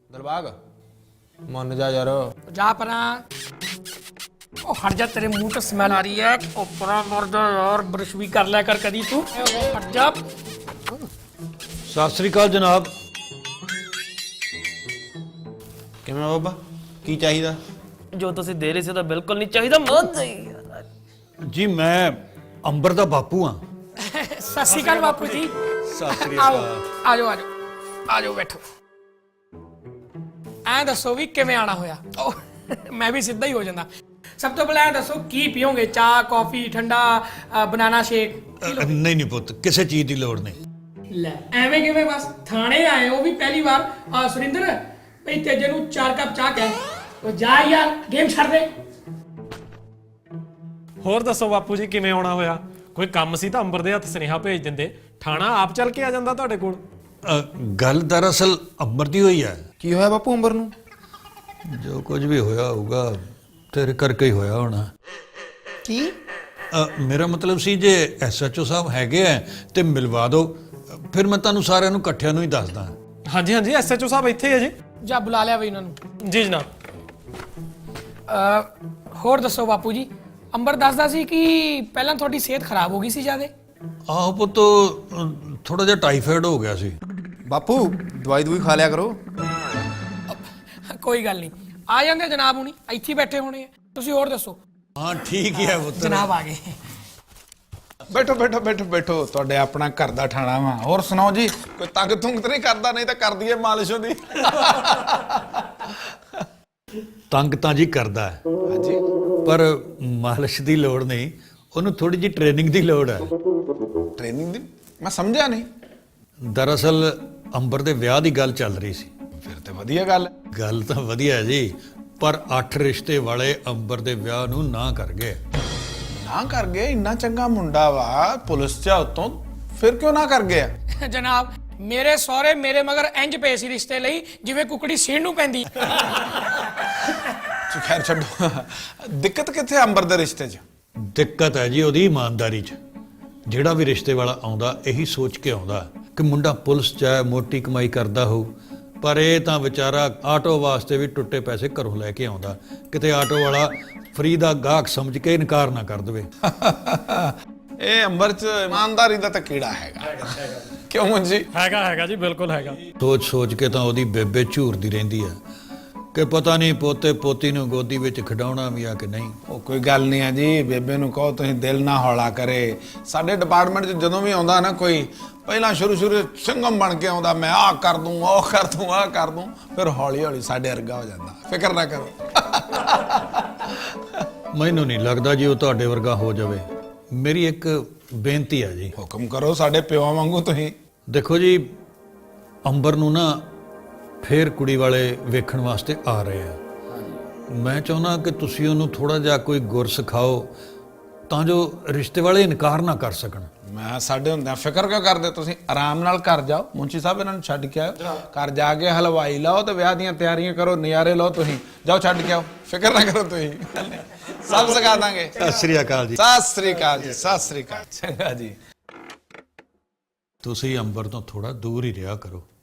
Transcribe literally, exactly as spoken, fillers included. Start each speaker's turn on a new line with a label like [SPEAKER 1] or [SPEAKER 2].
[SPEAKER 1] दिलबाग मन जा यार
[SPEAKER 2] जा परा। ओ हट जा, तेरे मुंह तो स्मेल आ रही है। ओ परा मर जा यार, ब्रश भी कर लिया कर कदी तू। हट जा।
[SPEAKER 3] सत श्री अकाल जनाब।
[SPEAKER 1] किवें बाबा की चाहिदा?
[SPEAKER 4] जो तुसीं दे रहे सी तो बिल्कुल नहीं चाहिए। मन नहीं
[SPEAKER 3] जी मैं अंबर दा बापू हाँ।
[SPEAKER 2] सत श्री अकाल बापू जी।
[SPEAKER 3] सत श्री
[SPEAKER 2] आओ
[SPEAKER 3] अकाल।
[SPEAKER 2] आ जाओ आ जाओ आ जाओ बैठो। ਐ ਦੱਸੋ ਵੀ ਕਿਵੇਂ ਆਣਾ ਹੋਇਆ? ਮੈਂ ਵੀ ਸਿੱਧਾ ਹੀ ਹੋ ਜਾਂਦਾ। ਸਭ ਤੋਂ ਪਹਿਲਾਂ ਇਹ ਦੱਸੋ ਕੀ ਪੀਓਗੇ? ਚਾਹ, ਕੌਫੀ, ਠੰਡਾ, ਬਨਾਨਾ ਸ਼ੇਕ?
[SPEAKER 3] नहीं नहीं पुत किसी चीज की लोड़ नहीं।
[SPEAKER 2] ਲੈ ਐਵੇਂ ਕਿਵੇਂ? ਬਸ ਥਾਣੇ ਆਏ ਉਹ ਵੀ ਪਹਿਲੀ ਵਾਰ। ਆ ਸੁਰਿੰਦਰ ਭਈ ਤੇਜੇ ਨੂੰ ਚਾਰ ਕੱਪ ਚਾਹ ਕਹਿ। ਉਹ ਜਾ ਯਾਰ, ਗੇਮ ਛੱਡ ਦੇ।
[SPEAKER 5] ਹੋਰ ਦੱਸੋ ਬਾਪੂ ਜੀ ਕਿਵੇਂ ਆਉਣਾ ਹੋਇਆ? ਕੋਈ ਕੰਮ ਸੀ ਤਾਂ ਅੰਬਰ ਦੇ ਹੱਥ ਸੁਨੇਹਾ ਭੇਜ ਦਿੰਦੇ, ਥਾਣਾ ਆਪ ਚੱਲ ਕੇ ਆ ਜਾਂਦਾ ਤੁਹਾਡੇ ਕੋਲ।
[SPEAKER 3] गल दरअसल अंबर दी हुई है।
[SPEAKER 1] की होया बापू अंबर नूं?
[SPEAKER 3] जो कुछ भी होया होगा तेरे करके ही होया होना।
[SPEAKER 1] की
[SPEAKER 3] अ, मेरा मतलब सी जे एस एच ओ साहब हैगे है ते मिलवा दो, फिर मैं तुहानू सारिਆਂ ਨੂੰ ਇਕੱਠਿਆਂ ਨੂੰ ਹੀ ਦੱਸਦਾ।
[SPEAKER 5] ਹਾਂਜੀ ਹਾਂਜੀ ਐਸ ਐਚ ਓ ਸਾਹਿਬ ਇੱਥੇ ਹੀ ਹੈ ਜੀ।
[SPEAKER 2] ਜਾ ਬੁਲਾ ਲਿਆ ਬਈ ਉਹਨਾਂ ਨੂੰ।
[SPEAKER 5] ਜੀ ਜਨਾਬ।
[SPEAKER 2] ਅ ਹੋਰ ਦੱਸੋ ਬਾਪੂ ਜੀ, ਅੰਬਰ ਦੱਸਦਾ ਸੀ ਕਿ ਪਹਿਲਾਂ ਤੁਹਾਡੀ ਸਿਹਤ ਖਰਾਬ ਹੋ ਗਈ ਸੀ ਜਿਆਦੇ।
[SPEAKER 3] ਆਹੋ ਪੁੱਤ ਥੋੜਾ ਜਿਹਾ ਟਾਈਫਾਇਡ ਹੋ ਗਿਆ ਸੀ।
[SPEAKER 1] बापू दवाई दुई खा लिया करो।
[SPEAKER 2] ਕੋਈ ਗੱਲ ਨਹੀਂ, ਆ ਜਾਂਦੇ ਜਨਾਬ ਹੁਣੀ, ਇੱਥੇ ਹੀ ਬੈਠੇ ਹੋਣੇ ਆ। ਤੁਸੀਂ ਹੋਰ ਦੱਸੋ।
[SPEAKER 3] ਹਾਂ ਠੀਕ ਹੀ ਹੈ ਪੁੱਤ।
[SPEAKER 2] ਜਨਾਬ ਆ ਗਏ।
[SPEAKER 1] बैठो बैठो बैठो बैठो ਤੁਹਾਡੇ ਆਪਣਾ ਘਰ ਦਾ ਠਾਣਾ ਵਾ। ਹੋਰ ਸੁਣਾਓ ਜੀ, ਕੋਈ ਤੰਗ ਤੁੰਗ ਤੇ ਨਹੀਂ ਕਰਦਾ? ਨਹੀਂ ਤਾਂ ਕਰ ਦਈਏ ਮਾਲਿਸ਼ ਉਹਦੀ।
[SPEAKER 3] ਤੰਗ ਤਾਂ ਜੀ ਕਰਦਾ ਹੈ
[SPEAKER 1] ਹਾਂਜੀ
[SPEAKER 3] ਪਰ ਮਾਲਿਸ਼ ਦੀ ਲੋੜ ਨਹੀਂ, ਉਹਨੂੰ ਥੋੜੀ ਜਿਹੀ ਟ੍ਰੇਨਿੰਗ ਦੀ ਲੋੜ ਹੈ।
[SPEAKER 1] ਟ੍ਰੇਨਿੰਗ ਦੀ? ਮੈਂ ਸਮਝਿਆ ਨਹੀਂ।
[SPEAKER 3] ਦਰਅਸਲ ਅੰਬਰ ਦੇ ਵਿਆਹ ਦੀ ਗੱਲ ਚੱਲ ਰਹੀ ਸੀ।
[SPEAKER 1] ਫਿਰ ਤੇ ਵਧੀਆ ਗੱਲ ਹੈ।
[SPEAKER 3] ਗੱਲ ਤਾਂ ਵਧੀਆ ਹੈ ਜੀ, ਪਰ ਅੱਠ ਰਿਸ਼ਤੇ ਵਾਲੇ ਅੰਬਰ ਦੇ ਵਿਆਹ ਨੂੰ ਨਾ ਕਰ ਗਏ।
[SPEAKER 1] ਨਾ ਕਰ ਗਏ? ਇੰਨਾ ਚੰਗਾ ਮੁੰਡਾ ਵਾ, ਪੁਲਿਸ ਚ ਉਤੋਂ, ਫਿਰ ਕਿਉਂ ਨਾ ਕਰ ਗਿਆ?
[SPEAKER 2] ਜਨਾਬ ਮੇਰੇ ਸਹੁਰੇ ਮੇਰੇ ਮਗਰ ਇੰਜ ਪਏ ਸੀ ਰਿਸ਼ਤੇ ਲਈ ਜਿਵੇਂ ਕੁਕੜੀ ਸੀਣ ਨੂੰ ਪੈਂਦੀ।
[SPEAKER 1] ਖੈਰ ਛੱਡੋ। ਦਿੱਕਤ ਕਿੱਥੇ ਅੰਬਰ ਦੇ ਰਿਸ਼ਤੇ 'ਚ?
[SPEAKER 3] ਦਿੱਕਤ ਹੈ ਜੀ ਉਹਦੀ ਇਮਾਨਦਾਰੀ 'ਚ। ਜਿਹੜਾ ਵੀ ਰਿਸ਼ਤੇ ਵਾਲਾ ਆਉਂਦਾ ਇਹੀ ਸੋਚ ਕੇ ਆਉਂਦਾ ਕਿ ਮੁੰਡਾ ਪੁਲਿਸ 'ਚ ਹੈ, ਮੋਟੀ ਕਮਾਈ ਕਰਦਾ ਹੋਊ, ਪਰ ਇਹ ਤਾਂ ਵਿਚਾਰਾ ਆਟੋ ਵਾਸਤੇ ਵੀ ਟੁੱਟੇ ਪੈਸੇ ਘਰੋਂ ਲੈ ਕੇ ਆਉਂਦਾ, ਕਿਤੇ ਆਟੋ ਵਾਲਾ ਫਰੀ ਦਾ ਗਾਹਕ ਸਮਝ ਕੇ ਇਨਕਾਰ ਨਾ ਕਰ ਦੇਵੇ।
[SPEAKER 1] ਇਹ ਅੰਬਰ 'ਚ ਇਮਾਨਦਾਰੀ ਦਾ ਤਾਂ ਕੀੜਾ ਹੈਗਾ। ਕਿਉਂ ਮੁੰਜੀ?
[SPEAKER 5] ਹੈਗਾ ਹੈਗਾ ਜੀ, ਬਿਲਕੁਲ ਹੈਗਾ।
[SPEAKER 3] ਸੋਚ ਸੋਚ ਕੇ ਤਾਂ ਉਹਦੀ ਬੇਬੇ ਝੂਰਦੀ ਰਹਿੰਦੀ ਆ ਕਿ ਪਤਾ ਨਹੀਂ ਪੋਤੇ ਪੋਤੀ ਨੂੰ ਗੋਦੀ ਵਿੱਚ ਖਿਡਾਉਣਾ ਵੀ ਆ ਕਿ ਨਹੀਂ।
[SPEAKER 1] ਉਹ ਕੋਈ ਗੱਲ ਨਹੀਂ ਹੈ ਜੀ, ਬੇਬੇ ਨੂੰ ਕਹੋ ਤੁਸੀਂ ਦਿਲ ਨਾ ਹੌਲਾ ਕਰੇ। ਸਾਡੇ ਡਿਪਾਰਟਮੈਂਟ 'ਚ ਜਦੋਂ ਵੀ ਆਉਂਦਾ ਨਾ ਕੋਈ, ਪਹਿਲਾਂ ਸ਼ੁਰੂ ਸ਼ੁਰੂ ਸਿੰਘਮ ਬਣ ਕੇ ਆਉਂਦਾ, ਮੈਂ ਆਹ ਕਰ ਦੂੰ, ਉਹ ਕਰ ਦੂੰ, ਆਹ ਕਰ ਦੂੰ, ਫਿਰ ਹੌਲੀ ਹੌਲੀ ਸਾਡੇ ਵਰਗਾ ਹੋ ਜਾਂਦਾ। ਫਿਕਰ ਨਾ ਕਰੋ।
[SPEAKER 3] ਮੈਨੂੰ ਨਹੀਂ ਲੱਗਦਾ ਜੀ ਉਹ ਤੁਹਾਡੇ ਵਰਗਾ ਹੋ ਜਾਵੇ। ਮੇਰੀ ਇੱਕ ਬੇਨਤੀ ਹੈ ਜੀ।
[SPEAKER 1] ਹੁਕਮ ਕਰੋ, ਸਾਡੇ ਪਿਓ ਵਾਂਗੂ ਤੁਸੀਂ।
[SPEAKER 3] ਦੇਖੋ ਜੀ, ਅੰਬਰ ਨੂੰ ਨਾ ਫੇਰ ਕੁੜੀ ਵਾਲੇ ਵੇਖਣ ਵਾਸਤੇ ਆ ਰਹੇ ਆ। ਮੈਂ ਚਾਹੁੰਦਾ ਕਿ ਤੁਸੀਂ ਉਹਨੂੰ ਥੋੜਾ ਜਿਹਾ ਕੋਈ ਗੁਰ ਸਿਖਾਓ ਤਾਂ ਜੋ ਰਿਸ਼ਤੇ ਵਾਲੇ ਇਨਕਾਰ ਨਾ ਕਰ ਸਕਣ।
[SPEAKER 1] ਮੈਂ ਸਾਡੇ ਹੁੰਦਿਆਂ ਫਿਕਰ ਕਿਉਂ ਕਰਦੇ? ਤੁਸੀਂ ਆਰਾਮ ਨਾਲ ਘਰ ਜਾਓ, ਮੁੰਸ਼ੀ ਸਾਹਿਬ ਇਹਨਾਂ ਨੂੰ ਛੱਡ ਕੇ ਆਓ। ਘਰ ਜਾ ਕੇ ਹਲਵਾਈ ਲਾਓ ਤੇ ਵਿਆਹ ਦੀਆਂ ਤਿਆਰੀਆਂ ਕਰੋ, ਨਜ਼ਾਰੇ ਲਓ। ਤੁਸੀਂ ਜਾਓ, ਛੱਡ ਕੇ ਆਓ, ਫਿਕਰ ਨਾ ਕਰੋ ਤੁਸੀਂ, ਸਭ ਸਿਖਾ ਦਾਂਗੇ।
[SPEAKER 3] ਸਤਿ ਸ੍ਰੀ ਅਕਾਲ ਜੀ।
[SPEAKER 1] ਸਤਿ ਸ੍ਰੀ ਅਕਾਲ ਜੀ। ਸਤਿ ਸ੍ਰੀ ਅਕਾਲ। ਚੰਗਾ ਜੀ।
[SPEAKER 3] ਤੁਸੀਂ ਅੰਬਰ ਤੋਂ ਥੋੜਾ ਦੂਰ ਹੀ ਰਿਹਾ ਕਰੋ।